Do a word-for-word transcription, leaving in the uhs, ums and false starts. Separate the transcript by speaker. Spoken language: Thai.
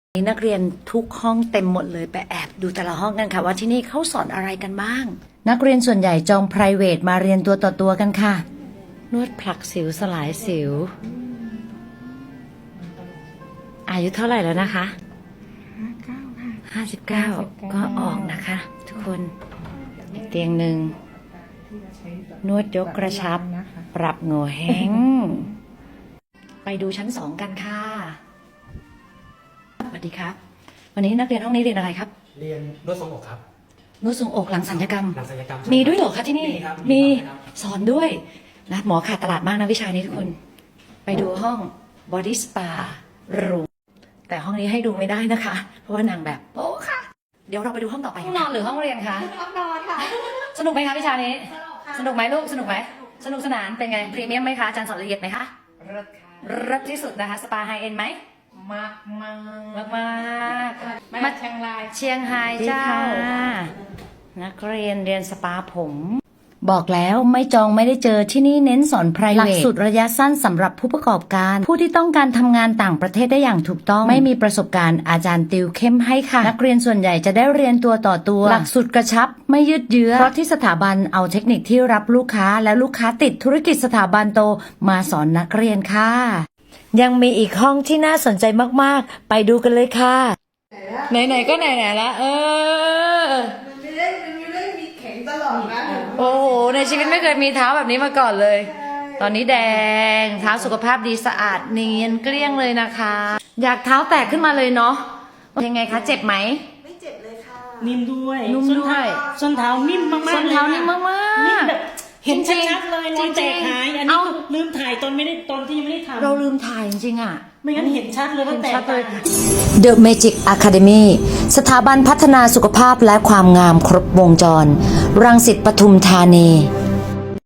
Speaker 1: นักเรียนทุกห้องเต็มหมดเลยไปแอบดูแต่ละห้องกันค่ะว่าที่นี่เขาสอนอะไรกันบ้างนักเรียนส่วนใหญ่จอง private มาเรียนตัวต่อตัวกันค่ะนวดผลักสิวสลายสิวอายุเท่าไหร่แล้วนะคะห้าสิบเก้าก็ออกนะคะทุกคนเตียงหนึ่งนวดยกกระชับปรับโง่แห้งไปดูชั้นสองกันค่ะสวัสดีครับวันนี้นักเรียนห้องนี้เรียนอะไรครับ
Speaker 2: เรียนนวดทรงอกครับ
Speaker 1: นวดทรงอกหลังศัลยกรรม
Speaker 2: หลังศัลยกรรม
Speaker 1: มีด้วยเหรอคะที่นี่
Speaker 2: มีครับ
Speaker 1: มีสอนด้วยนะหมอขาดตลาดมากนะวิชานี้ทุกคนไปดูห้อง body spa รูแต่ห้องนี้ให้ดูไม่ได้นะคะเพราะว่านางแบบโอ้ค่ะเดี๋ยวเราไปดูห้องต่อไปห้องนอนหรือห้องเรียนคะ
Speaker 3: ห้องนอนค่ะ
Speaker 1: สนุกไหมคะวิชานี้สนุกไหมลูกสนุกไหมสนุกสนานเป็นไงพรีเมียมไหมคะอาจารย์สอนละเอียดไหมคะ
Speaker 3: เลิศค่ะ
Speaker 1: เลิศที่สุดนะคะสปาไฮเอ็นไหม
Speaker 3: มากมาก
Speaker 1: มากมาก
Speaker 3: มาเชียงราย
Speaker 1: เชียงไฮ้เจ้านักเรียนเรียนสปาผมบอกแล้วไม่จองไม่ได้เจอที่นี่เน้นสอน private หลักสูตรระยะสั้นสำหรับผู้ประกอบการผู้ที่ต้องการทำงานต่างประเทศได้อย่างถูกต้องไม่มีประสบการณ์อาจารย์ติวเข้มให้ค่ะนักเรียนส่วนใหญ่จะได้เรียนตัวต่อตัวหลักสูตรกระชับไม่ยืดเยื้อเพราะที่สถาบันเอาเทคนิคที่รับลูกค้าและลูกค้าติดธุรกิจสถาบันโตมาสอนนักเรียนค่ะยังมีอีกห้องที่น่าสนใจมากๆไปดูกันเลยค่ะไหนๆก็ไหนๆละเออ
Speaker 3: มันไม่ได้มันไม่ได้มีแข็งตลอดนะ
Speaker 1: โอ้โหในชีวิตไม่เคยมีเท้าแบบนี้มาก่อนเลยตอนนี้แดงเท้าสุขภาพดีสะอาดเนียนเกลี้ยงเลยนะคะอยากเท้าแตกขึ้นมาเลยเนาะยังไงคะเจ็บไหม
Speaker 3: ไม่เจ็บเลยค่ะ
Speaker 4: นิ่มด้วย
Speaker 1: นุ่มด้วย
Speaker 4: ส้นเท้านิ่มมากๆ
Speaker 1: ส้นเท้านิ่มมากๆ
Speaker 4: นิ่มแบบเห็น
Speaker 1: จริง
Speaker 4: ชัดๆเลยรอยแตกหายอันนี้ลืมถ่ายตอนไม่ได้ตอนที่ยังไม่ได้ทำ
Speaker 1: เราลืมถ่ายจริงๆอ่ะ
Speaker 4: ไม่งั้นเห็นชัดเลยว่าแตก
Speaker 1: The Magic Academy สถาบันพัฒนาสุขภาพและความงามครบวงจรรังสิตปทุมธานี